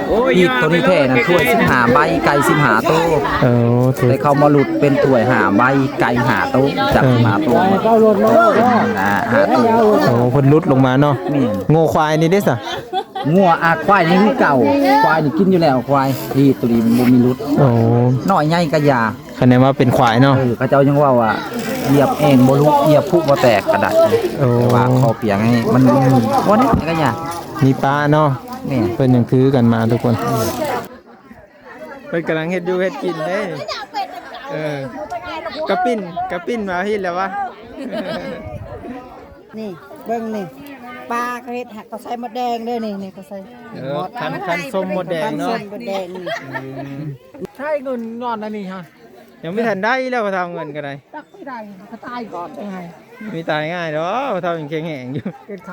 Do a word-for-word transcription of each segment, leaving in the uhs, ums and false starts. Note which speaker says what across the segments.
Speaker 1: อีกตัวนี้แท้นะถ้วยสิบห้าใบไก่สิบห้าโต๊ะ
Speaker 2: เออถูก
Speaker 1: ได้เข้ามาหลุดเป็นถ้วยห้าใบไก่ห้าโต๊ะจับสิบห้าโต๊ะนะห้าโต๊ะ
Speaker 2: โอ้เพิ่นลุดลงมาเนาะโง่ควายนี่เด้ซะ
Speaker 1: งัวอาควายนี่คือเก่าควายนี่กินอยู่แล้วควายที่ตัวนี้บ่มีรุด
Speaker 2: โอ้
Speaker 1: น้อยใหญ่ก็ยา
Speaker 2: คะแนนว่าเป็นควายเนาะ
Speaker 1: เออเขาเจ้ายังว่าว่าเหยียบเองบ่ลุกเหยียบพุบ่แตกกระดาษ
Speaker 2: โอ้
Speaker 1: ว่าคอเปียงให้มันบ่นี่ก็ยา
Speaker 2: มีปลาเนาะ
Speaker 1: นี่
Speaker 2: เพิ่นยังถือกันมาทุกคนเพิ่นกำลังเฮ็ดอยู่เฮ็ดกินเด้เออกระปิ้นกระปิ้นมาเฮ็ดแล้ววะ
Speaker 3: นี่เบิ่งนี่ปลาก็เฮ็ดหักก็ใส่มดแดงเด้อนี่นี่ก็ใส่
Speaker 2: เออคันคันส้มหมดแดงเนาะ
Speaker 3: ส้มมดแดงนี่
Speaker 4: ใช่เงินนอนอันนี้ฮะ
Speaker 2: ยังไม่ทันได้แล้วพอทำเงินก็ได้
Speaker 4: ตักไม่ได้ก็ตายก่อนยังไง
Speaker 2: มีตายง่ายเนาะพอทำยังแข็งแรงอยู่
Speaker 4: เกินเขา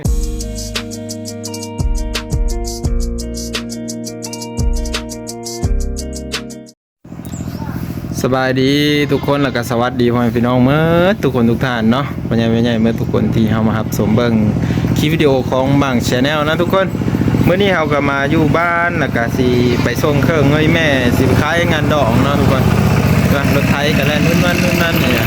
Speaker 2: สบายดีทุกคนแล้วก็สวัสดีพ่อแม่พี่น้องเมื่อทุกคนทุกท่านเนาะพ่อใหญ่แม่ใหญ่เมื่อทุกคนที่เฮามารับชมเบิ่งคลิปวิดีโอของบาง Channel นะทุกคนเมื่อนี้เฮาก็มาอยู่บ้านแล้วก็สิไปส่งเครื่องเอ้ยแม่สิไปขายงานดอกเนาะทุกคนรถไถก็แล่นนู่นนั่นนู่นนั่นเนี่ย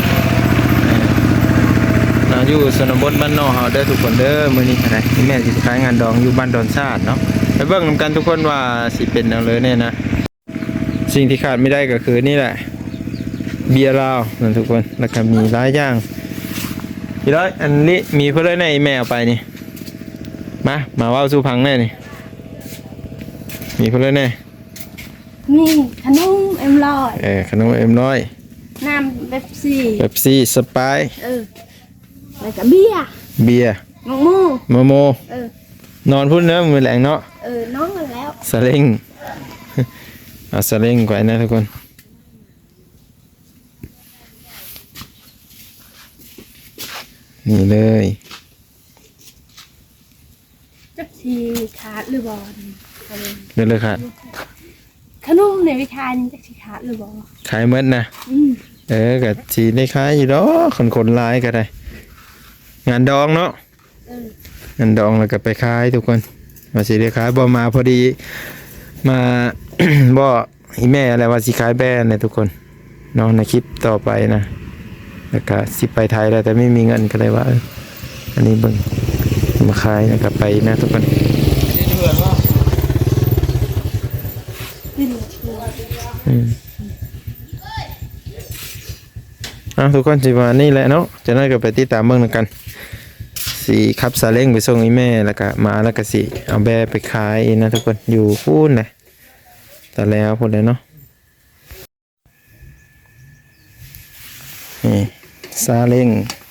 Speaker 2: เราอยู่ชนบทบ้านนอกเฮาเด้อทุกคนเด้อมื้อนี้ก็ได้แม่สิไปขายงานดองอยู่บ้านดอนชาติเนาะไปเบิ่งนำกันทุกคนว่าสิเป็นจังเลยเนี่ยนะสิ่งที่ขาดไม่ได้ก็คือนี่แหละเบียร์ลาวนั่นทุกคนแล้วก็มีหลายอย่างพี่ร้อยอันนี้มีเพื่อนในแม่เอาไปนี่มามาว่าสู้พังแน่นี่มีเพื่อนแน่
Speaker 5: นี่ขนมเอ็มลอย
Speaker 2: เออขนมเอ็มร้อย
Speaker 5: น้ำเบบซี่
Speaker 2: เป๊ปซี่สไปร์
Speaker 5: เออแล้วก็เบียร์
Speaker 2: เบียร์
Speaker 5: มะม่วง
Speaker 2: โมโม
Speaker 5: เออน
Speaker 2: อนพุ่นเนื้อมือแหลงเนาะ
Speaker 5: เออน้องกันแล้ว
Speaker 2: สลิงเอาสลิงไว้นะทุกคนนี่เลย
Speaker 5: จักชีขาดหรือบอล
Speaker 2: เดินเลยค่ะ
Speaker 5: ขนมในวิชานี้จักชีขาดหรือบอล
Speaker 2: ขายเมื่อนะ
Speaker 5: อืม
Speaker 2: เออกับสีได้ขายอยู่ดอกคนคนร้ายก็ได้งานดองเนาะ
Speaker 5: เออง
Speaker 2: านดองแล้วก็ไปขายทุกคนมาสีได้ขายบ่มาพอดีมา บ่อีแม่อะไรว่าสิขายแบรนด์เนี่ยทุกคนน้องในคลิปต่อไปนะแล้วก็สิไปไทยแล้วแต่ไม่มีเงินก็เลยว่าเอออันนี้เบิ่งมาขายนะครับไปนะทุกคน
Speaker 5: ดิ้น
Speaker 2: อืมอ่ะทุกคนสิว่านี่แหละเนาะจะนั่นก็ไปติดตามเบิ่งนำกันสิขับซาเล้งไปส่งอีแม่แล้วก็มาแล้วก็สิเอาแบไปขายนะทุกคนอยู่พูนเลยแต่แล้วพูดเลยเนาะนี่ซาเล้ง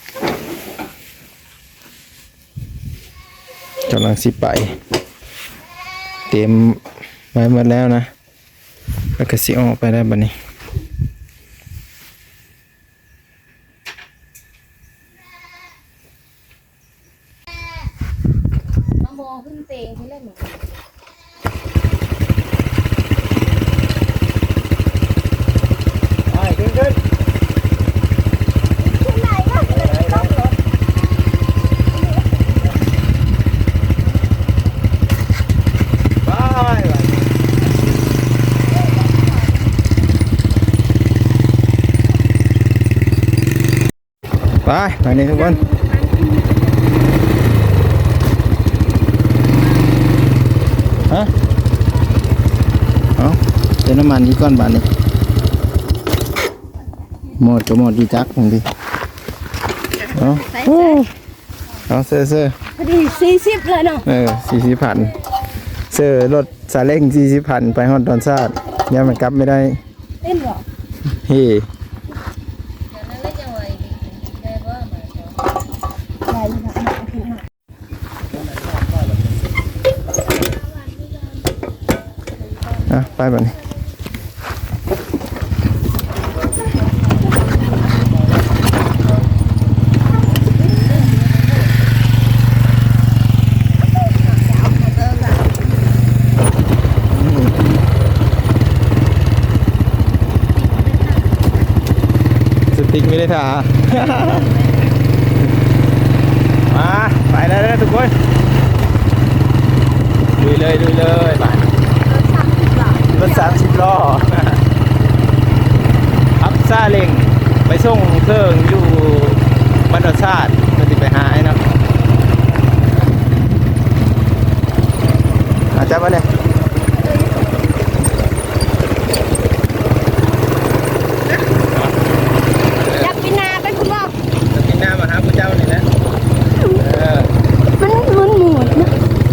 Speaker 2: กำลังสิไปเตรียมไว้หมดแล้วนะแล้วก็สิออกไปได้บัดนี้
Speaker 5: มะม่วงขึ้นเตงที่เล่นหนู
Speaker 2: ไปขึ้นขึ้นไปไปนี่ทุกคนฮะเอาเติมน้ำมันที่ก้อนบาทนี่หมดก็หมดดีจักของดีเอาโอ้เอาเซอร์เซอร์
Speaker 5: พอดีสี่สิบเลยเนาะ
Speaker 2: เออสี่สิบพันเซอร์รถซาเล้งสี่สิบพันไปฮอดดอนซาดยังมันกลับไม่ได้
Speaker 5: เล่นหรอ
Speaker 2: เฮ้
Speaker 5: ได้ยินนะคือหา
Speaker 2: อ่ะไปแบบนี้สติ๊กไม่ได้ท่า มาไปแล้วนะทุกคนดูเลยดูเลยไปเล่งไปส่งเครื่องอยู่บรรดาชาติมันจะไปหาไอ้นะอาจจะมาเนี่ย
Speaker 5: อยากกินนาไปคุณบอก
Speaker 2: กินน้ำมาหาพระเจ้านี่นะเออ
Speaker 5: มันมันหมดนะ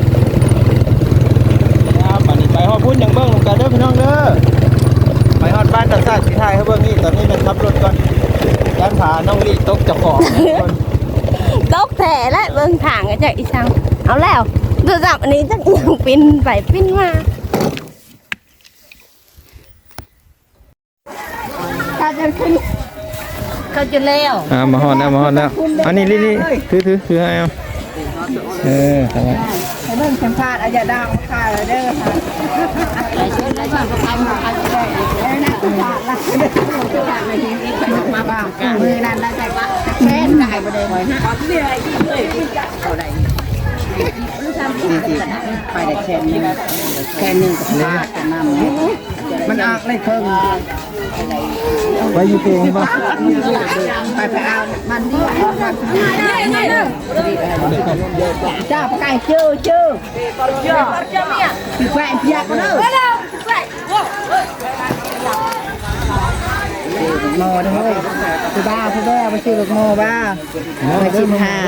Speaker 2: ครับป่านนี้ไปฮอดพุ่นยังเบิ้งลงกันเด้อพี่น้องเด้อไปฮอดบ้านตัดซาดสีไทยเขาเบิ้งนี่ตอนนี้มันขับรถก่อนด้านผาน้องลี่ตกเจ้าของคน
Speaker 5: ตกแผลและเบิ่งทางกันจากอีสังเอาแล้วดูจับอันนี้จักยังปิ้นไปปิ้นมาเขาจะขึ้นเขาจะแล้ว
Speaker 2: อ่ามาฮอดแล้วมาฮอดแล้วอันนี้ลี่ลี่ถือถือถือให้เอาเออทำไม
Speaker 3: ให้เบิ่งสัมภาษณ์อาญาดาวค่ะเด้อค่ะไปช่วยได้บ้างก็ทำมาได้ได้นะสัมภาษณ์ละมาบ้างมือนั้นแล้วใจว่าแม่นได้บ่ได้บ่ฮะเหนื่อยเลยเอาได้ไปได้แค่นี้แค่นึงก็พลาดกันนำมันออกเลยเพิ่ง
Speaker 2: ไปอยู่เองป่ะ
Speaker 3: ไปไปเอามันนี่จ้าไก่เชื่อเชื่อเชื่อคือแฟนเพียกก็เด้อโมด้วยคือบ้าคือบ้าไปซื้อลูกโมบ้าไปชิมห้า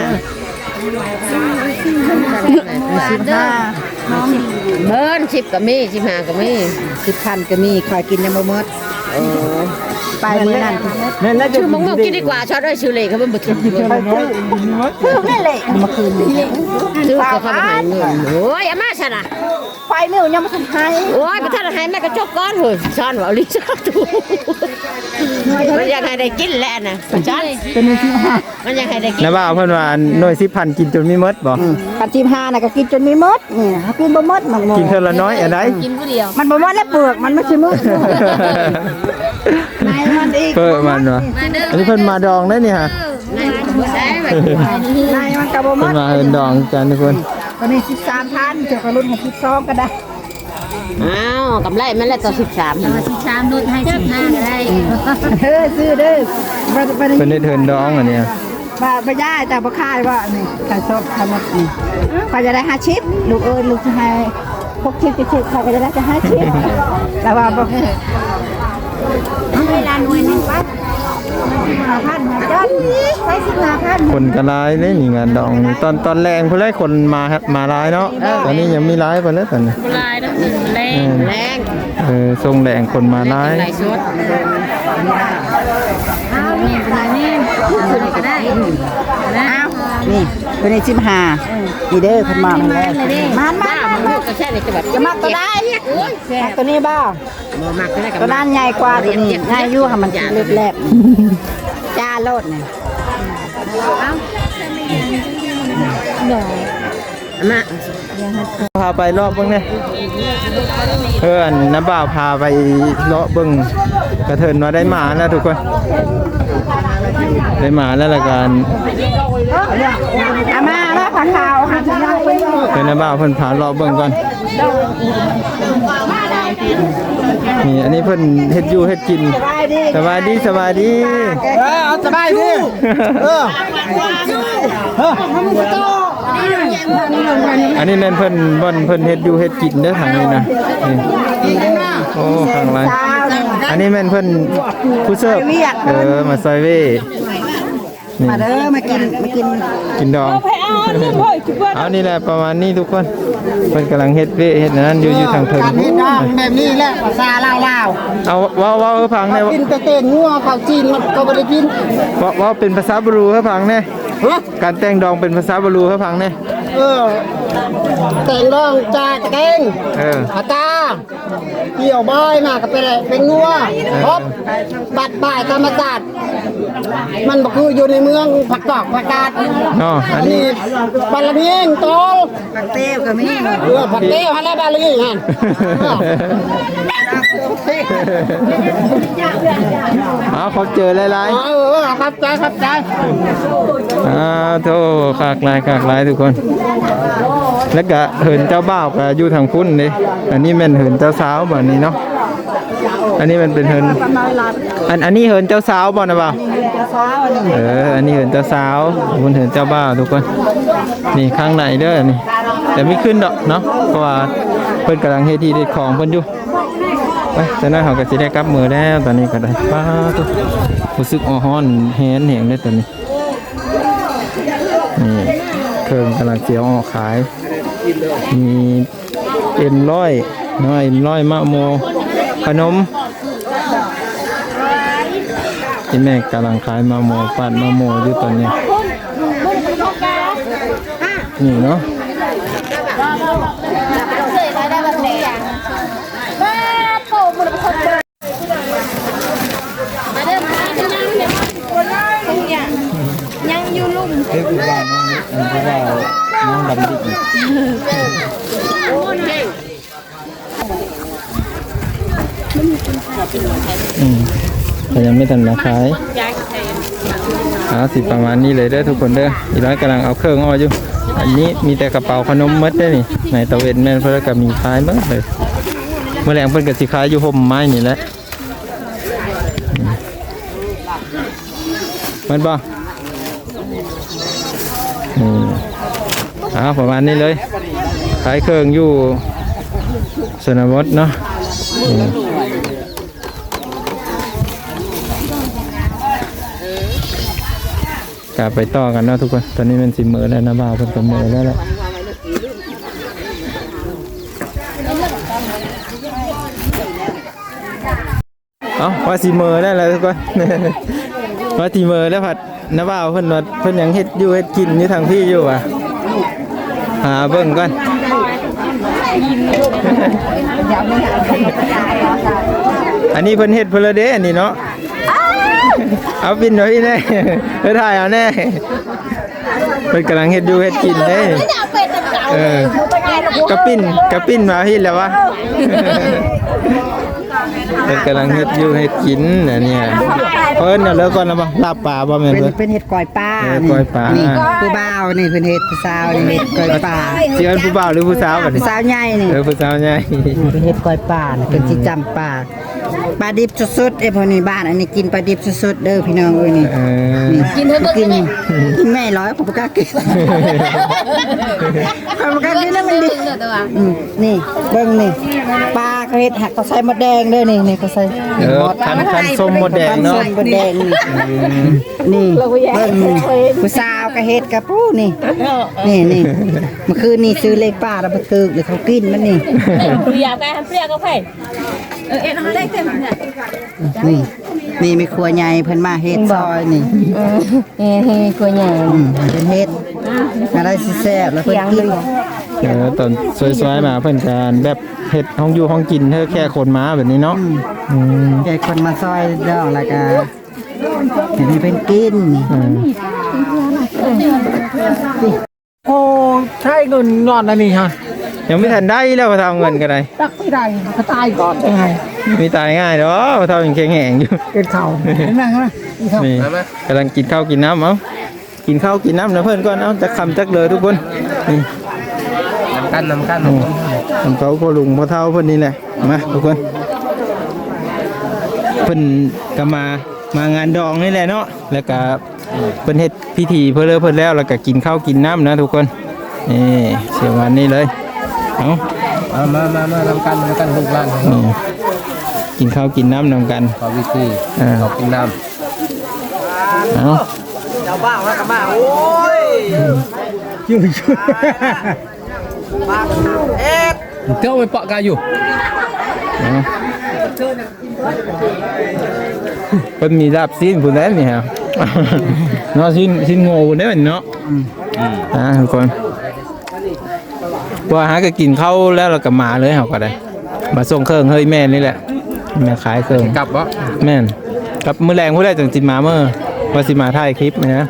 Speaker 3: สิบห้าเบิ้ลสิบก็มีสิบห้าก็มีสิบพันก็มีคอยกินยังบ่หมดไปเมื่อนั้นนั่นแล้วชื่อมงกินดีกว่าช็อตด้วยชื่อเล่เขาเป็นบุตรชื่อนั่นแหละมาคืนชื่อก็เขาไม่ให้เงินโอ้ยอาม่าฉันอะไฟไม่เอายังมาทำให้โอ้ยไปท่านให้แม่กระจกก้อนเลยช้อนว่าลิซ่าถูมันยังให้ได้กินแหละนะช้อนเป็นที่ห้ามันยังให้ได้กิน
Speaker 2: นะบ่าวเพิ่นว่าหน่วยสิบพันกินจนไม่หมดบ่
Speaker 3: ปัจจิมห้าน่ะก็กินจนไม่หมดนี่กินบ่หมดมัน
Speaker 2: กินเท่าละน้อยอะไร
Speaker 5: กินผู้เดียว
Speaker 3: มันบ่หมดแล้วเปลือกมันไม่ใช่มืดนายมันอีก
Speaker 2: เพิ่มมันวะอันนี้เพิ่นมาดองได้นี่ฮะ
Speaker 3: นายมันก็บ่หม
Speaker 2: เพิ่น
Speaker 3: ด
Speaker 2: มาเอิ้นดองกันทุกคน
Speaker 3: ตอนนี้สิบสามพันเจ้ากระรุ่นของสิบสองก็ได้
Speaker 5: อ้าวกำไรมันแล้วต่อสิบสามสิบสามลดให้สิบห้าก็ได้
Speaker 3: เฮ้ยซื้อเด้อบ่บ่
Speaker 2: เพิ่นได้เทินดองอันเนี้ย
Speaker 3: บ่บ่ย่าแต่บ่คายว่านี่ขายสดทำหมดนี่เขาจะได้ห้าชิปลูกเอ้ยลูกจะให้พกชิปชิปเขาก็จะได้จะห้าชิปแต่ว่าบ่เวลาหน่วยนึงปั๊บห้าพันจ้ะใช้สิบห้าพัน
Speaker 2: คนก็ร้ายเลยนี่งานดองนี่ตอนตอนแรงเพิ่นได้คนมาครับมาร้ายเนาะตอนนี้ยังมีร้ายเพิ่นแล้วตอนนี้
Speaker 5: ลายแล้วแรงแรง
Speaker 2: เออทรงแรงคนมาร้าย
Speaker 5: ไหลสดอ้าวนี่เป็นไรนี่คุณก็ได้อ้าว
Speaker 3: นี่เป็นในสิบห้านี่เด้อเพิ่นมาแล้วมันมา
Speaker 5: มันลูกก็แค่ในจังหวัด
Speaker 3: จะมักตัวได้มักตัวนี้บ้า
Speaker 5: บ่มักได้กับ
Speaker 3: ตัวนั้นใหญ่กว่าตัวนี้ใหญ่อยู่ค่ะมันเล็บแลบจ้าโลดเนี่ย
Speaker 5: มา
Speaker 2: พาไปรอบเบิ่งเนี่ยเพื่อนน้าบ่าวพาไปเลาะเบิ่งกระเทินว่าได้หมาแล้วทุกคนได้หมาแล้วละกัน
Speaker 3: อามาแล้วผักขาวหาจะได้ไป
Speaker 2: เพิ่นน้าบ่าวเพิ่นพาเลาะเบิ่งก่อนนี่อันนี้เพิ่นเฮ็ดอยู่เฮ็ดกินสบายดีสบายดี
Speaker 4: เออเอาสบายดิเออ
Speaker 2: อันนี้แม่นเพิ่นบ่อนเพิ่นเฮ็ดอยู่เฮ็ดกินเด้อทางนี้นะนี่โอ้ข้างหลังอันนี้แม่นเพิ่นผู้เสิร์ฟเออมาซอยเว่นี่
Speaker 3: มาเด้อมากินมากิน
Speaker 2: กินดองเอานี่แหละประมาณนี้ทุกคนเพิ่นกำลังเฮ็ดเว่เฮ็ดอันนั้นอยู่อยู่ทางเพิ่น
Speaker 4: การเฮ็ดน้ำแบบนี้แหละภาษาลาวลาว
Speaker 2: เอาเว้าเว้าให้ฟังได้
Speaker 4: กินแต่เต้นงัวข้าวจีนมันก็บ่ได้กิน
Speaker 2: เว้าเว้าเป็นภาษาบรูให้ฟังแน่
Speaker 4: ฮะ
Speaker 2: การแต่งดองเป็นภาษาบรูให้ฟังแน่
Speaker 4: เออแต่งดองจากแตง
Speaker 2: เออ
Speaker 4: อาตาเกี่ยวบอยมาก็เป็นเป็นงัวครบบัดบ่ายธรรมศาสตร์มันบ่คืออยู่ในเมืองผักกอกผักกาด
Speaker 2: เนาะอั
Speaker 4: อั
Speaker 2: น
Speaker 4: น
Speaker 2: นี้
Speaker 4: นี้บาลาเมียงโตล
Speaker 3: ผักเต้วก็มี
Speaker 4: เออผักเต้ฮันแล้วบาลาเมียงหั่น
Speaker 2: เอาขอบเจอหลาย
Speaker 4: เออเออครับใจครับใจ
Speaker 2: ๆอ้าวโธ่ขากหลายขากหลายทุกคน แล้วก็เหินเจ้าบ่าวก็อยู่ทางพุ่นนี่อันนี้แม่นเหินเจ้าสาวแบบนี้เนาะอันนี้มันเป็นเฮินอันอันนี้เฮินเจ้าสาวบ่นะบ่าวเอออันนี้เฮินเจ้าสาวบนเฮินเจ้าบ่าวทุกคนนี่ข้างในเด้อนี่แต่ไม่ขึ้นดอกเนาะเพราะว่าเพิ่นกำลังเฮ็ดที่เด็ดของเพิ่นอยู่ไปแต่นั้นเขาก็สิได้กลับมือแล้วตอนนี้ก็ได้ป้าตุ๊รู้สึกอ่อฮ้อนแฮนแหงเลยตอนนี้นี่เครื่องกำลังเสียวออกขายมีเอ็นร้อยน้อยร้อยมะโมขนมที่แม่กำลังขายมะโมปั่นมะโมอยู่ตอนนี้นี่เนาะ
Speaker 5: ยังอยู่ลุ่ม
Speaker 2: เฮ้ยคุณบ้านน้องคุณบ้านน้องดำดิบอืมแต่ยังไม่ทันมาขายเอาสิประมาณนี้เลยเด้อทุกคนเด้ออีร้อยกำลังเอาเครื่องอ้ออยู่อันนี้มีแต่กระเป๋าขนมมัดได้นี่ในตะเวนแม่นเพื่อกับมีขายบ้างเลยเมื่อแรงเพิ่นกับสิขายอยู่ห่มไม้นี่แหละมันบ่อืมอ่าประมาณนี้เลยขายเครื่องอยู่สนามวัดเนาะกลับไปต่อกันเนาะทุกคนตอนนี้มันสิมือแล้วนะบ่าวเพิ่นก็มือแล้วแหละเอ้าว่าสิมือได้แล้วทุกคนว่าสิมือแล้วผัดนะบ่าวเพิ่นว่าเพิ่นยังเฮ็ดอยู่เฮ็ดกินอยู่ทางพี่อยู่อ่ะหาเบิ่งก่อนอันนี้เพิ่นเฮ็ดเพิ่นละเด้อันนี้เนาะเอาปิ่นไว้แน่เออถ่ายเอาแน่เพิ่นกำลังเฮ็ดอยู่เฮ็ดกินเด้เออกระปิ้นกระปิ้นมาพี่แล้ววะเพิ่นกำลังเฮ็ดอยู่เฮ็ดกินอันนี้เพิ่นน่ะเลิกก่อนแล้วบ่ลาบปลาบ่แม่น
Speaker 4: เป็น
Speaker 2: เพิ่น
Speaker 4: เป็นเห็ดก้อยปลา
Speaker 2: เออก้อยปลา
Speaker 4: นี่ผู้บ่าวนี่เป็นเห็ดผู้สาวนี่เห็ดก้อยปลา
Speaker 2: สิเอิ้นผู้บ่าวหรือผู้สาวบัด
Speaker 4: ผู้
Speaker 2: นี้
Speaker 4: สาวใหญ่นี่
Speaker 2: เออผู้สาวใหญ่
Speaker 4: เป็นเห็ดก้อยปลาน่ะเป็นสิจำปลาปลาดิบสดๆเอ้พอนี่บ้านอันนี้กินปลาดิบสดๆเด้อพี่น้องเอ้ยนี่
Speaker 2: เออ
Speaker 4: นี่กินเถอะกินกินแม่ร้อยผมบ่กล้ากินผมบ่กล้ากินนะมันดิอืมนี่เบิ่งนี่ปลาเขาเฮ็ดหักเขาใส่มดแดงเด้อนี่นี่เขาใส่
Speaker 2: เออคันคันส้มมดแดงเนาะ
Speaker 4: ส้มมดแดงนี่นี่เบิ่งนี่ผู้สาวก็เฮ็ดกับผู้นี่นี่นี่เมื่อคืนนี่ซื้อเลขป้าแล้วบ่ตึกเดี๋ยวเขากินมันนี่
Speaker 5: เปรียกไงเปรียกก็ไผ่เออเอ็นเขาได้เต็มเนี่ย
Speaker 4: นี่นี่มีครัวใหญ่เพิ่นมาเฮ็ดซอยนี่
Speaker 5: เฮ้เฮ้ครัวใหญ่
Speaker 4: อืมเป็นเฮ็ดอะไรสิแซ่บแล้วเพิ่นกิน
Speaker 2: เออตอนสวยๆมาเพิ่นการแบบเฮ็ดห้องอยู่ห้องกินเธอแค่คนมาแบบนี้เนาะอืม
Speaker 4: ใหญ่คนมาซอยดองแล้วก็เห็นให้เพิ่นกิน
Speaker 2: อืม
Speaker 1: โอ้ใช่เงินนอนอันนี้ฮะ
Speaker 2: ยังไม่ทันได้แล้วพอทำเงินกันได
Speaker 1: ตักไม่ได้เขาตายก่อนยังไง
Speaker 2: มีตายง่ายเนาะพอทำยังแข็งแหงอยู่
Speaker 1: เป็นเข่าเห็นไหมครับ
Speaker 2: นี่กำลังกินข้าวกินน้ำเอ้ากินข้าวกินน้ำนะเพื่อนก่อนเอ้าจะคำจักเลยทุกคนนี่
Speaker 1: น้ำกันน้ำกัน
Speaker 2: โอ้ทำเขาพ่อลุงพ่อเท่าเพื่อนนี่แหละมาทุกคนเพื่อนก็มามางานดองนี่แหละเนาะแล้วก็เพื่อนเฮ็ดพิธีเพื่อเลิกเพื่อนแล้วแล้วก็กินข้าวกินน้ำนะทุกคนนี่เสียวันนี้เลยเอ้า
Speaker 1: มามามามาน้ำกันน้ำกันลูกหลาน
Speaker 2: นี่กินข้าวกินน้ำนำกัน
Speaker 1: ขอวิธี
Speaker 2: อ่า
Speaker 1: ขอกินน้
Speaker 2: เอา
Speaker 1: ำเจ้าบ้าแล้วกับบ้าโอ้ยอยู่อยู่เอ๊ะเจ้าไปเปาะกายอยู่
Speaker 2: เอาเป็นมีลาบซีนผู้นั้นนี่ฮะ เนาะซีนซีนโง่ผู้นั้นเนาะอ่าทุกคนพอหาก็กินข้าวแล้วเราก็มาเลยเขาก็ได้มาส่งเครื่องเฮ้ยแม่นี่แหละแม่ขายเครื่อง
Speaker 1: กลับวะ
Speaker 2: แม่นกับมือแรงผู้ใดจังจิมาเมื่อว่าสิมาถ่ายคลิปนะ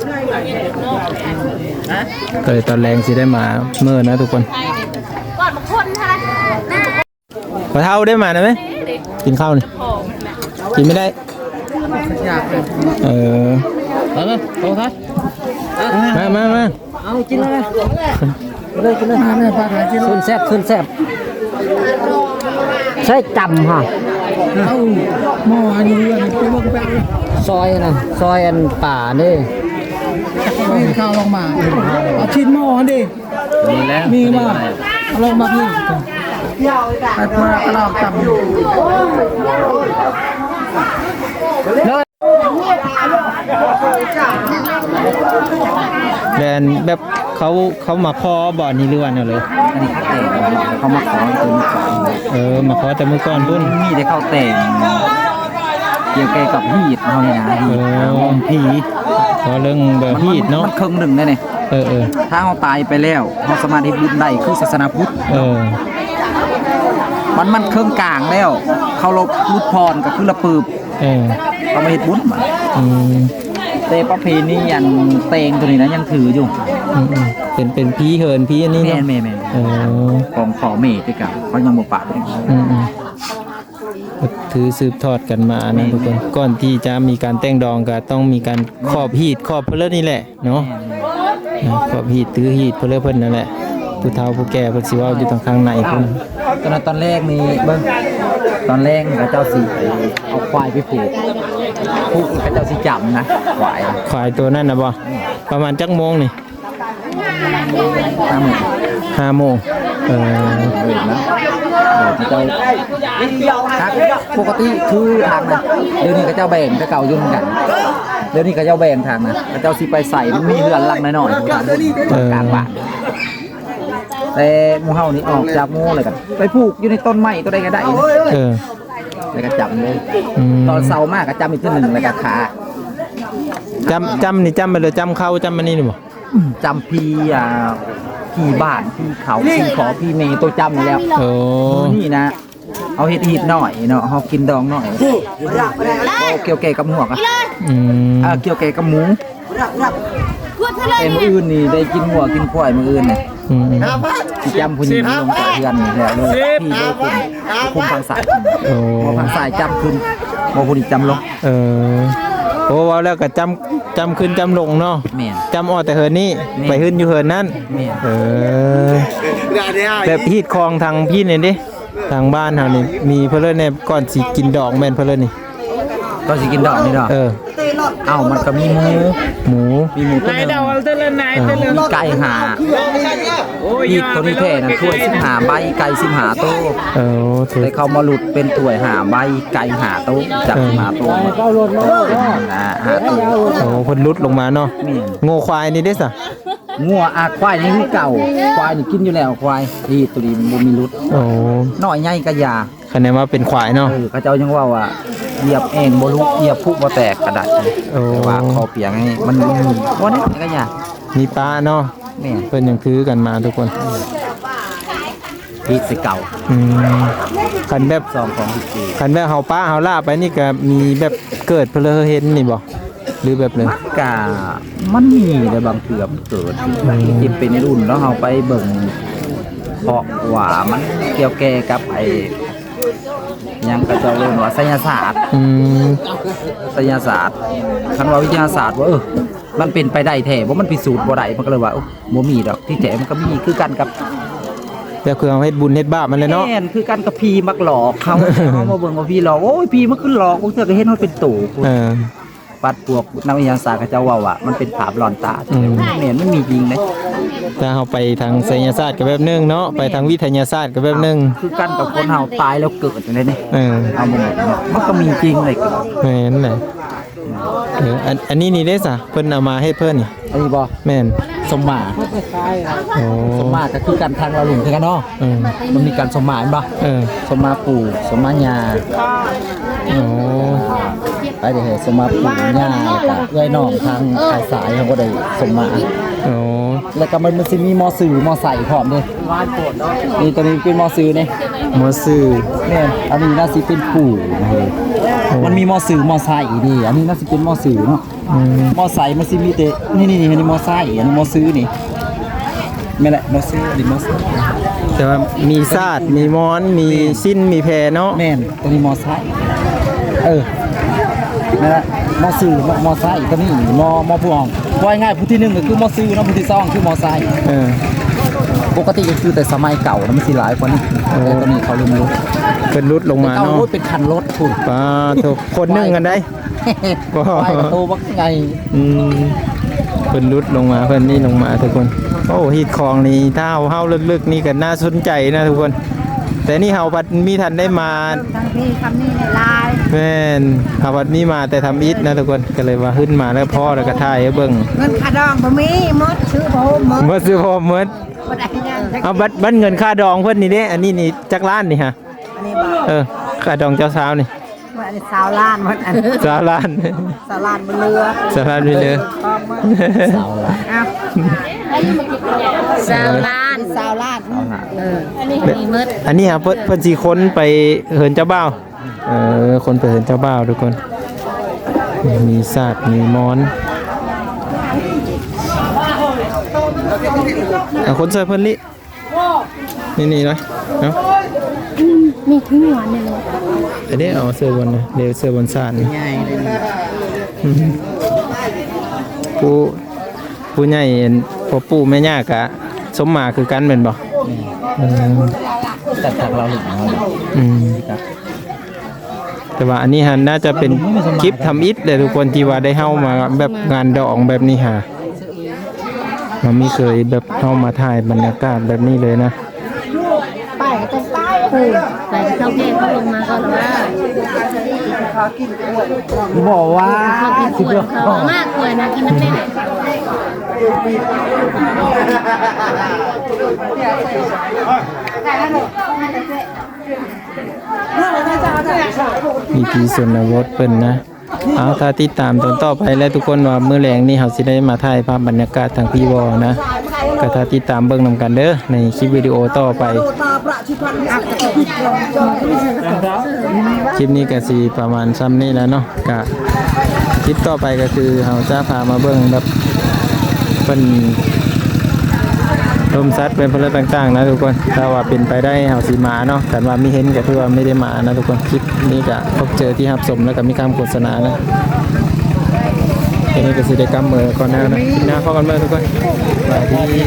Speaker 2: ก็เลยตอนแรงสิได้มาเมื่อนะทุกคน
Speaker 5: ก่อนมาคนค่ะ
Speaker 2: พอเท่าได้มาได้ไหมกินข้าวนี่กินไม่ได้
Speaker 1: อยากเลย
Speaker 2: เออ
Speaker 1: เอาเลยเอาทัด
Speaker 2: มามามา
Speaker 1: เอากินเลยเลยกินเลยเนี่ยปลาถ่ายกินซุนแซ่บซุนแซ่บ
Speaker 4: ใช่จำฮะ
Speaker 6: เอาหม้ออันนี้อันนี้ไปบอกไป
Speaker 4: ซอยนะซอยอันป่านี่
Speaker 6: เอาให้ข้าวลงมาเอาชิ้นหม้อดิ
Speaker 1: มีแล้ว
Speaker 6: มีมาเอาลงมาพี่ไปพาเราจับ
Speaker 2: แลนแบบเขาเขามาขอบ่อนี้หรือว่าเนี่ยเลย
Speaker 1: อันนี้เขาแต่งเขามาขอตัวนี้ก่อน
Speaker 2: เออมาขอแต่มื้อก่อนพุ่น
Speaker 1: มีได้เข้าแต่งเกี่ยวกับฮีดเฮานี่นะฮีดหอมผี
Speaker 2: ขอเรื่องแบบฮีดเนาะ
Speaker 1: มันครึ่งหนึ่งได้เนี่ย
Speaker 2: เออเออ
Speaker 1: ถ้าเฮาตายไปแล้วเฮาสามารถเฮ็ดบุญได้คือศาสนาพุทธ
Speaker 2: เออ
Speaker 1: มันมันเครื่องกลางแล้ว เขาลบรุดพรก็คือละปืบ
Speaker 2: เออ
Speaker 1: เขาไม่เฮ็ดบุญบัด
Speaker 2: อืม
Speaker 1: แต่ประเพณีอันเตงตัวนี้นะยังถืออยู่
Speaker 2: อืมอืมเป็นเป็นพี่เหินพี่อันนี้
Speaker 1: แม่
Speaker 2: เนาะ
Speaker 1: นแม่นแม่น
Speaker 2: เออ
Speaker 1: ของขอเมตด้วยกันเขายังบ่ปะเลย
Speaker 2: อืมอืมถือสืบทอดกันมานะทุกคนก่อนที่จะมีการแต่งดองก็ต้องมีการครอบฮีดครอบเพลนี่แหละเนาะครอบฮีดถือฮีดเพลเพิ่นนั่นแหละผู้เฒ่าผู้แก่เพิ่นสิเว้าอยู่ทางข้างในพุ่น
Speaker 1: ตอนนั้นตอนแรกนี่เบิ่งตอนแรกพระเจ้าสิเอาควายไปผูกผูกพระเจ้าสิจำนะควาย
Speaker 2: ขายตัวนั่นน่ะบ่ประมาณจักโมงนี่
Speaker 1: ห้าหมื่น
Speaker 2: ห้าโมงเออ
Speaker 1: เบิดแล้วเดี๋ยวพระเจ้าครับปกติคือทางนะเดี๋ยวนี้พระเจ้าแบ่งแต่เก่าอยู่เหมือนกันเดี๋ยวนี้พระเจ้าแบ่งทางนะพระเจ้าสิไปใส่มันมีเรือนหลังน้อยๆทางกลางบ้านแต่หมู่เฮานี่ออกจากหมู่เลยกันไปผูกอยู่ในต้นไม้ตัวใดก็ได้
Speaker 2: เออ
Speaker 1: แล้วก็จำเลย
Speaker 2: อืม
Speaker 1: ตอนเสาร์มากก็จำอีกทีหนึ่งแล้วก็ขา
Speaker 2: จำจำนี่จำไปเลยจำเข้าจำมันนี่นี่บ่
Speaker 1: จำพี่อ่าพี่บ้านพี่เขาพี่ขอพี่เมย์ตัวจำอยู่แล้ว
Speaker 2: โอ้
Speaker 1: นี่นะ เอาเห็ดหีดหน่อยเนาะเอากินดองหน่อยเอาเกี่ยวแก่กับหัวกอะ
Speaker 2: อืม
Speaker 1: อ่าเกี่ยวแก่กับหมูเอ็มออื่นนี่ได้กินหัวกินควายมืออื่นเนี่ย
Speaker 2: อืม
Speaker 1: ที่จำผู้หญิงลงจากเรือนนี่แล้วเลยพี่โลคุมคุมทางสาย
Speaker 2: โอ้
Speaker 1: พอทางสายจำขึ้นพอผู้หญิงจำลง
Speaker 2: เออโอ้เว้าแล้วก็จำจำขึ้นจำลงเนาะ
Speaker 1: แม่น
Speaker 2: จำออกแต่เหินนี่
Speaker 1: แม่น
Speaker 2: ไปขึ้นอยู่เหินนั่น
Speaker 1: แม่น
Speaker 2: เออแบบฮีดคลองทางพี่นี่ดิทางบ้านเฮานี่มีเพิ่นเลยเนี่ยก่อนสิกินดอกแม่นเพิ่นเลยนี่
Speaker 1: ก็สิกินดอกนี่ดอก
Speaker 2: เออ
Speaker 1: เอ้ามันก็มีหมู
Speaker 2: หมู
Speaker 1: มีหมูตัวหนึง
Speaker 2: เออ
Speaker 1: มีไก่หาอีกตัวนี้แค่นะถ้วยสิบหาใบไก่สิบหาโต๊ะ
Speaker 2: เออถูก
Speaker 1: แต่เขามาหลุดเป็นถ้วยหาใบไก่หาโต๊ะจากหาโต๊ะนะหาโต๊ะ
Speaker 2: โอ้เพิ่นลุดลงมาเนาะ
Speaker 1: แม่น
Speaker 2: โง่ควายนี่เด้ซะ
Speaker 1: งัวอาควายนี่คือเก่าควายนี่กินอยู่แล้วควายนี่ตัวนี้มันบ่มีหลุด
Speaker 2: โอ้
Speaker 1: น้อยใหญ่ก็ยา
Speaker 2: คะแนนว่าเป็นควายเนาะ
Speaker 1: เออเขาเจ้ายังว่าว่าเหยียบเองบ่ลุกเหยียบพุบ่แตกกระดาษ
Speaker 2: โอ้
Speaker 1: แต่ว่าคอเปียงให้มันบ่ได้ก็ยา
Speaker 2: มีปลาเนาะ
Speaker 1: แม่น
Speaker 2: เพิ่นยังคือกันมาทุกคน
Speaker 1: พีสิเก่า
Speaker 2: อืมคันแบบ
Speaker 1: ซองของสิ
Speaker 2: คันแบบเฮาป้าเฮาล่าไปนี่ก็มีแบบเกิดเพลอเห็นนี่บ่หรือแบบเลย
Speaker 1: กะมันมีแต่บางเถื่อมันเกิดที่เป็นในรุ่นแล้วเฮาไปเบิ่งเพราะว่ามันเกี่ยวแก่กับไอ้หยังก็เจ้าเรียกว่าไสยศาสตร์
Speaker 2: อืม
Speaker 1: ไสยศาสตร์คันว่าวิทยาศาสตร์ว่าเออมันเป็นไปได้แท้บ่มันพิสูจน์บ่ได้มันก็เลยว่าโอ้บ่มีดอกที่แท้มันก็มีคือกันกับ
Speaker 2: แบบคือเอาเฮ็ดบุญเฮ็ดบาปมันเลยเนาะ
Speaker 1: แม่นคือกันกับพี่มักหลอกเขา เขามาเบิ่งว่าพี่หลอกโอ้ยพี่มันคือหลอกกูเทื่อก็เห็นมันเป็นตู่
Speaker 2: เออ
Speaker 1: ปัดพวกนักวิทยาศาสตร์เขาเจ้าว่าว่ามันเป็นภาพหลอนตา
Speaker 2: อืม
Speaker 1: แม่นมันมีจริงเด้
Speaker 2: ถ้าเฮาไปทางไสยศาสตร์ก็แบบนึงเนาะไปทางวิทยาศาสตร์ก็แบบนึง
Speaker 1: คือกันกับคนเฮาตายแล้วเกิดจังได๋นี่
Speaker 2: เออ
Speaker 1: เอาบ่มันก็มีจริงเลยเกิด
Speaker 2: แม่นแหละเอออันอันนี้นี่เด้ซะเพิ่นเอามาให้เพิ่นนี่
Speaker 1: อันนี้บ่
Speaker 2: แม่น
Speaker 1: สมหมา
Speaker 2: โอ้
Speaker 1: สมหมาก็คือกันทางเราหลุมคือกันเนาะ
Speaker 2: เออ
Speaker 1: มันมีการสมหมาเห็นบ่
Speaker 2: เออ
Speaker 1: สมหมาปู่สมหมายา
Speaker 2: โอ้
Speaker 1: ไปเด้อสมหมาปู่ย่าแล้วก็เอื้อยน้องทางสายสายเขาก็ได้สมหมา
Speaker 2: โอ้
Speaker 1: แล้วก็มันมันสิมีมอสื่อมอใส่พร้อมเด้นี่ตัวนี้เป็นมอสื่อนี่
Speaker 2: หมอซื่อ
Speaker 1: เนี่ยอันนี้น่าสิเป็นปู่นะเฮ้ยมันมีมอสื่อมอใส่ดีอันนี้น่าสิเป็นมอสื่อเนาะ
Speaker 2: อืม
Speaker 1: มอใส่มันสิมีแต่นี่นี่นี่อันนี้มอใส่อันนี้มอซื้อนี่ไม่นแหละมอซื้อดิมอซื้อ
Speaker 2: แต่ว่ามีซาดมีมอนมีสิ้นมีแพรเนาะ
Speaker 1: แม่นตัวนี้มอใส่เออนั่นแหละมอซื้อมอมอใส่ตัวนี้มอมอผู้อ่องว่าง่ายๆผู้ที่หนึ่งก็คือมอซื้อเนาะผู้ที่สองคือมอใส่
Speaker 2: เออ
Speaker 1: ปกติก็คือแต่สมัยเก่านะมันสิหลายกว่านี้แต่ตอนนี้เขาลืมรู้
Speaker 2: เป็นรุดลงมา
Speaker 1: เก่า
Speaker 2: เนาะ
Speaker 1: รถเป็นคันรถคุณ
Speaker 2: ป้าโถคนหนึงกันได้ ว้าว
Speaker 1: ไปประตูว่าไง
Speaker 2: อืมเพิ่นรุดลงมาเพิ่นนี่ลงมาทุกคนโอ้ฮีดคลองนี่ถ้าเฮาเฮาลึกๆนี่ก็น่าสนใจนะทุกคน แต่นี่เฮาบัดมีทันได้มา
Speaker 3: ทางพี่คำนี้เนี่ยลาย
Speaker 2: แม่นเฮาบัดมีมาแต่ทำอิฐนะทุกคนก็เลยว่าขึ้นมาแล้วพ่อแล้วก็ถ่ายให้เบิ่ง
Speaker 3: เงินขาดองบ่มีหมดชื่อบ่หมด
Speaker 2: บ่ซื้อพ่อหมด
Speaker 3: บ่ได้ยัง
Speaker 2: เอาบัดบัดเงินค่าดองเพิ่นนี่เด้อันนี้นี่จักล้านนี่ฮะ
Speaker 3: อันนี้บ่
Speaker 2: เออค่าดองเจ้าสาวนี่
Speaker 3: ว่าอันนี้สาวล้านหมดอัน
Speaker 2: สาวล้าน
Speaker 3: สาวล้านบ่เรือ
Speaker 2: สาวล้านไปเลย
Speaker 3: พร้อมหมด
Speaker 1: สาวละ
Speaker 3: อ้าวสาวล้านสาวล้านเอออันนี้มีหมด
Speaker 2: อันนี้ครับเพิ่นเพิ่นสิค้นไปเหินเจ้าบ่าวเออคนไปเหินเจ้าบ่าวทุกคน มีศาสตร์มีมอนอ่ะคนใส่เพิ่นลินี่นี่เลยเนาะ
Speaker 5: มีทิ้งหวานเนี่ย
Speaker 2: อันนี้เอาเสื้อบนนะเดี๋ยวเสื้อบนศาสตร์นี่
Speaker 3: ง่ายเลย
Speaker 2: อืมผู้ผู้ใหญ่เห็นพ่อปู่แม่ย่ากะสมมาคือกันเป็นบ่อืม
Speaker 1: แต่จากเราหลุดมา
Speaker 2: อืมแต่ว่าอันนี้ฮะน่าจะเป็นคลิปทำอิฐเลยทุกคนที่ว่าได้เข้ามาแบบงานดองแบบนี้ฮะมันไม่เคยแบบเข้ามาถ่ายบรรยากาศแบบนี้เลยนะ
Speaker 3: ไปก็ต้องไปคือไปเข้าเพลงเขาลงมาก็แล้วว่า
Speaker 1: บอกว่า
Speaker 3: เขากินขวดเขามากเลยนะกินน้ำเล่น
Speaker 2: มีทีส่วนวดเพิ่นนะเอาถ้าติดตามตอนต่อไปแล้วทุกคนว่ามื้อแรงนี่เฮาสิได้มาถ่ายภาพบรรยากาศทางพี่วอนะก็ถ้าติดตามเบิ่งนำกันเด้อในคลิปวิดีโอต่อไป คลิปนี้ก็สิประมาณซ้ำนี้แล้วเนาะก็คลิปต่อไปก็คือเฮาจะพามาเบิ่งแบบเป็นลมซัดเป็นพลต่างๆนะทุกคนถ้าว่าเป็นไปได้เฮาสิมาเนาะแต่ว่าไม่เห็นก็คือว่าไม่ได้มานะทุกคนคลิปนี้ก็พบเจอที่รับชมแล้วก็มีคำโฆษณานะทีนี้ก็สิได้กำมือก่อนหน้านะคลิปหน้าพบกันใหม่ทุกคนสวัสดี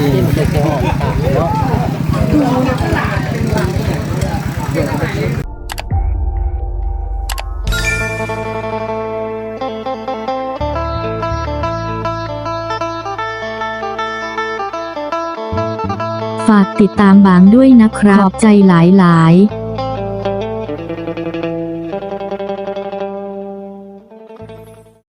Speaker 7: ฝากติดตามบางด้วยนะครับขอบใจหลายๆ